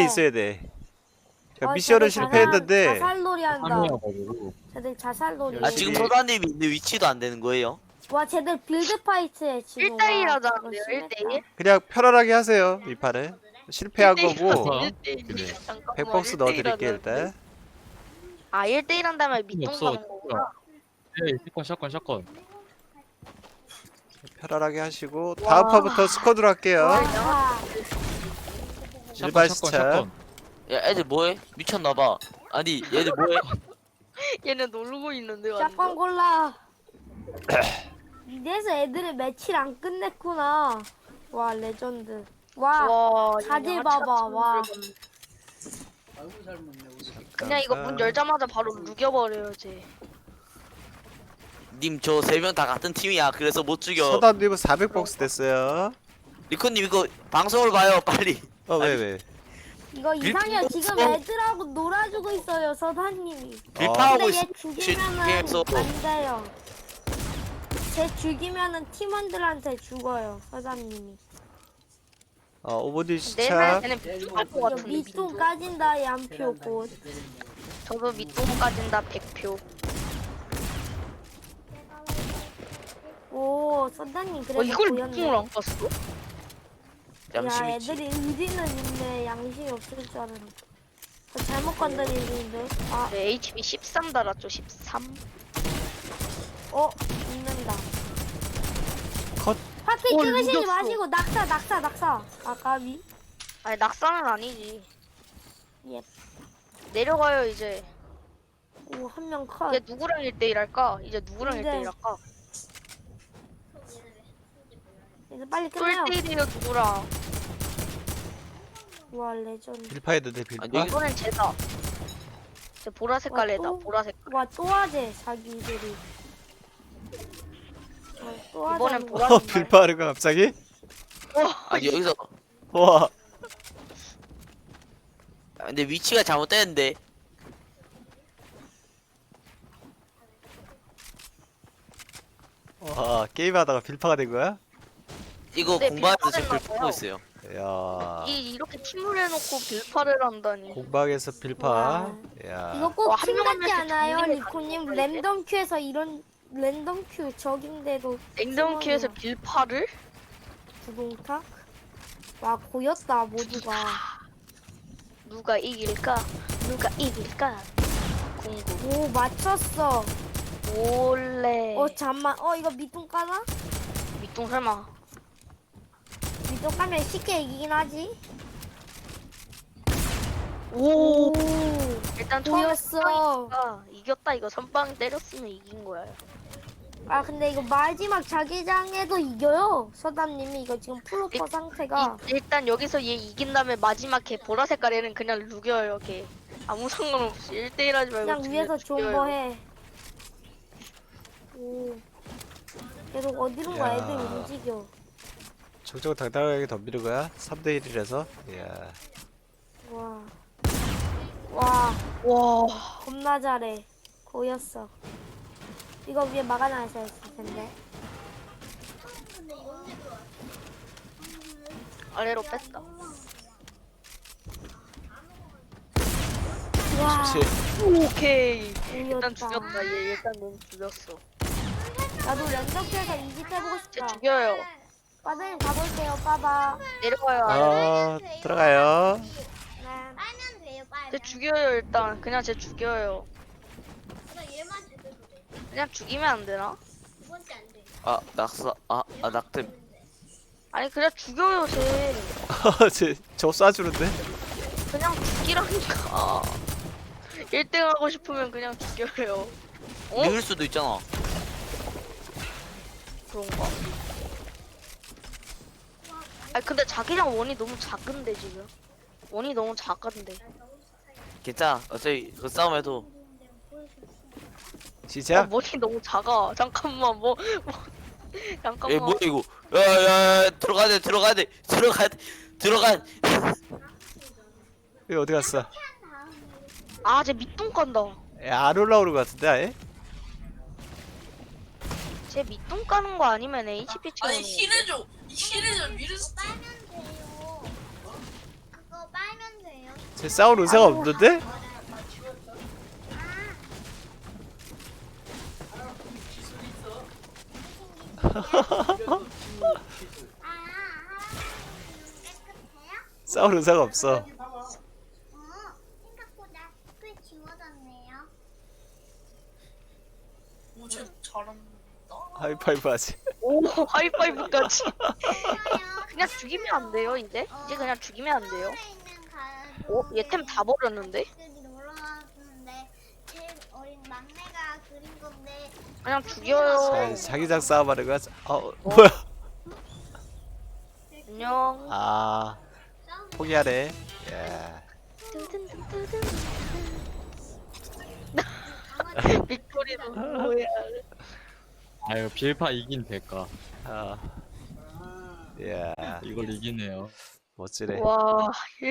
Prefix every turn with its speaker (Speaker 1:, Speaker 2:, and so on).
Speaker 1: 있어야 돼. 그러니까 미션은 실패했는데
Speaker 2: 자살놀이 한다.
Speaker 3: 참여해가지고.
Speaker 2: 쟤들 자살놀이.
Speaker 4: 아 지금 소다님이 있는 위치도 안 되는 거예요?
Speaker 2: 와 쟤들 빌드 파이트에 지금.
Speaker 5: 1대1
Speaker 2: 와,
Speaker 5: 하자는데요,
Speaker 2: 저거 심했다.
Speaker 5: 1대1?
Speaker 1: 그냥 편안하게 하세요. 이 판은 실패한 거고
Speaker 5: 1대1.
Speaker 1: 그래.
Speaker 5: 잠깐만,
Speaker 1: 백박스
Speaker 5: 1대1
Speaker 1: 넣어드릴게
Speaker 5: 하자는데.
Speaker 1: 일단.
Speaker 5: 아 1대1 한다면 밑동
Speaker 3: 없어.
Speaker 5: 가는 거구나.
Speaker 3: 네, 샷건.
Speaker 1: 편안하게 하시고
Speaker 5: 와.
Speaker 1: 다음 판부터 스쿼드로 할게요.
Speaker 2: 와,
Speaker 1: 일반 시차.
Speaker 4: 야 애들 뭐해? 미쳤나봐. 아니 얘들 뭐해?
Speaker 5: 얘네 놀고 있는데
Speaker 2: 샷건
Speaker 5: 완전.
Speaker 2: 골라. 이래서 애들이 매치를 안 끝냈구나. 와 레전드. 와
Speaker 5: 와
Speaker 2: 자질
Speaker 5: 얘네
Speaker 2: 봐봐,
Speaker 5: 하찮은
Speaker 2: 와.
Speaker 5: 소리를 그냥 이거 문 열자마자 바로 누겨버려요 쟤.
Speaker 4: 님 저 세 명 다 같은 팀이야. 그래서 못 죽여.
Speaker 1: 서단님은 400박스 됐어요.
Speaker 4: 리코님 이거 방송을 봐요 빨리.
Speaker 1: 왜?
Speaker 2: 이거 이상해요. 지금 애들하고 놀아주고 있어요 서단님이.
Speaker 4: 빌파하고
Speaker 2: 근데 얘
Speaker 4: 있.
Speaker 2: 죽이면은
Speaker 4: 게임에서.
Speaker 2: 안 돼요. 쟤 죽이면은 팀원들한테 죽어요 서단님이.
Speaker 1: 오버디
Speaker 5: 내
Speaker 1: 시차.
Speaker 5: 말 쟤는 밑동할 것
Speaker 2: 이거
Speaker 5: 같은데.
Speaker 2: 밑동 까진다 양표 곧.
Speaker 5: 저도 밑동 까진다 100표.
Speaker 2: 오 서단님 그래도
Speaker 5: 이걸
Speaker 2: 보였네.
Speaker 5: 밑동을 안 깠어?
Speaker 2: 야
Speaker 4: 양심 있지.
Speaker 2: 애들이 의지는 있네. 양심이 없을 줄 알았네. 저 잘못 건드리는데. 아,
Speaker 5: 네, HP 13 달았죠 13.
Speaker 2: 죽는다.
Speaker 1: 컷.
Speaker 2: 파티 찍으시지
Speaker 5: 이겼어.
Speaker 2: 마시고 낙사. 아까비.
Speaker 5: 아니 낙사는 아니지.
Speaker 2: 예.
Speaker 5: 내려가요 이제.
Speaker 2: 오 한 명 컷.
Speaker 5: 이제 누구랑 1대1 할까? 이제 누구랑
Speaker 2: 근데
Speaker 5: 1대1 할까?
Speaker 2: 이제 빨리 끝내요.
Speaker 5: 1대1이에요 누구랑?
Speaker 2: 와 레전드.
Speaker 1: 빌파했는데 빌파.
Speaker 4: 아니,
Speaker 5: 이번엔 쟤다. 쟤 보라 색깔 애다.
Speaker 2: 또?
Speaker 5: 보라 색깔.
Speaker 2: 와 또 하재 자기들이. 또 하재.
Speaker 5: 이번엔 보라 색깔.
Speaker 1: 빌파하는 거 갑자기?
Speaker 4: 아니 여기서.
Speaker 1: 와.
Speaker 4: 근데 위치가 잘못됐는데.
Speaker 1: 와 게임하다가 빌파가 된 거야?
Speaker 4: 이거
Speaker 5: 네,
Speaker 4: 공방에서 지금
Speaker 5: 빌파는
Speaker 4: 불 끄고 있어요.
Speaker 1: 야.
Speaker 5: 이렇게 팀을 해놓고 빌파를 한다니.
Speaker 1: 공방에서 빌파.
Speaker 2: 와.
Speaker 1: 야.
Speaker 2: 이거
Speaker 5: 어,
Speaker 2: 꼭
Speaker 5: 한
Speaker 2: 팀
Speaker 5: 명만
Speaker 2: 같지
Speaker 5: 이렇게
Speaker 2: 않아요
Speaker 5: 정리를
Speaker 2: 리코님?
Speaker 5: 가지고 있어야지.
Speaker 2: 랜덤 큐에서 이런 랜덤 큐 적인데도
Speaker 5: 냉동 큐에서
Speaker 2: 팀원이야.
Speaker 5: 빌파를?
Speaker 2: 구동탁? 와 고였다 모두가.
Speaker 5: 누가 이길까? 누가 이길까? 궁금.
Speaker 2: 오 맞췄어.
Speaker 5: 몰래.
Speaker 2: 잠만. 이거 밑동 까나?
Speaker 5: 밑동 설마.
Speaker 2: 밑동 까면 쉽게 이기긴 하지.
Speaker 5: 오.
Speaker 2: 오.
Speaker 5: 일단 처음에
Speaker 2: 보였어.
Speaker 5: 선빵이니까 이겼다 이거 선빵 때렸으면 이긴 거야.
Speaker 2: 아 근데 이거 마지막 자기장에도 이겨요. 서담님이 이거 지금 프로퍼 상태가.
Speaker 5: 일단 여기서 얘 이긴 다음에 마지막 걔 보라 색깔 애는 그냥 누겨요 걔. 아무 상관없이 1대1 하지 말고
Speaker 2: 그냥 위에서
Speaker 5: 죽여요.
Speaker 2: 존버해. 오. 계속 어디론가
Speaker 1: 야.
Speaker 2: 애들 움직여.
Speaker 1: 정정당당하게 덤비는 거야? 3대 1이라서. 이야.
Speaker 2: 와. 와.
Speaker 5: 와.
Speaker 2: 겁나 잘해. 고였어. 이거 위에 막아놔야 했을 텐데.
Speaker 5: 아래로 뺐다.
Speaker 2: 와.
Speaker 1: 그렇지.
Speaker 5: 오케이.
Speaker 2: 고였다.
Speaker 5: 일단 죽였다 얘 일단 넌 죽였어.
Speaker 2: 나도 랜덤큐에서 이집 해보고
Speaker 5: 쟤
Speaker 2: 싶다.
Speaker 5: 죽여요.
Speaker 2: 빠드님 가볼게요. 빠바.
Speaker 5: 내려가요 아래.
Speaker 1: 들어가요.
Speaker 2: 네.
Speaker 6: 빨면 돼요, 빨면.
Speaker 5: 쟤 죽여요 일단. 그냥 쟤 죽여요.
Speaker 6: 나 얘만 제대로 돼.
Speaker 5: 그냥 죽이면 안 되나?
Speaker 6: 두 번째 안 돼.
Speaker 4: 아 낙사. 낙템.
Speaker 5: 아니 그냥 죽여요 쟤.
Speaker 1: 저 쏴주는데?
Speaker 5: 그냥 죽이라니까. 1등 하고 싶으면 그냥 죽여요. 어?
Speaker 4: 늙을 수도 있잖아.
Speaker 5: 그런가? 아니 근데 자기랑 원이 너무 작은데 지금. 원이 너무 작은데.
Speaker 4: 괜찮아. 어차피 그 싸움에도
Speaker 1: 시작.
Speaker 5: 원이 너무 작아. 잠깐만 뭐
Speaker 4: 에
Speaker 5: 잠깐만.
Speaker 4: 뭐야 이거? 야야야 들어가야 돼 들어가야 돼 들어가 들어가.
Speaker 1: 여기 어디 갔어?
Speaker 5: 아, 쟤 밑동 간다.
Speaker 1: 안 올라오는 거 같은데 아예?
Speaker 5: 쟤 밑동 까는 거 아니면 HP 채우는
Speaker 7: 아니
Speaker 5: 거.
Speaker 7: 힐해줘. 힐해줘. 미르스.
Speaker 6: 빨면 돼요. 그거 빨면 돼요.
Speaker 1: 쟤 싸울 의사가 없는데? 싸울 의사가 없어.
Speaker 6: 생각보다 꽤 지워졌네요.
Speaker 1: 하이파이브 하지.
Speaker 5: 오 하이파이브까지. 그냥 죽이면 안 돼요 이제? 이제 그냥 죽이면 안 돼요. 얘 템 다 버렸는데?
Speaker 6: 놀러왔는데 제일 어린 막내가 그린 건데
Speaker 5: 그냥 죽여요.
Speaker 1: 자기장 싸움하는 거야. 뭐야?
Speaker 5: 안녕.
Speaker 1: 아 포기하네. 야.
Speaker 5: 빅토리도 뭐야?
Speaker 3: 아유 빌파 이긴 대가.
Speaker 1: 야.
Speaker 3: 이걸 이기네요.
Speaker 1: 멋지네.
Speaker 5: 와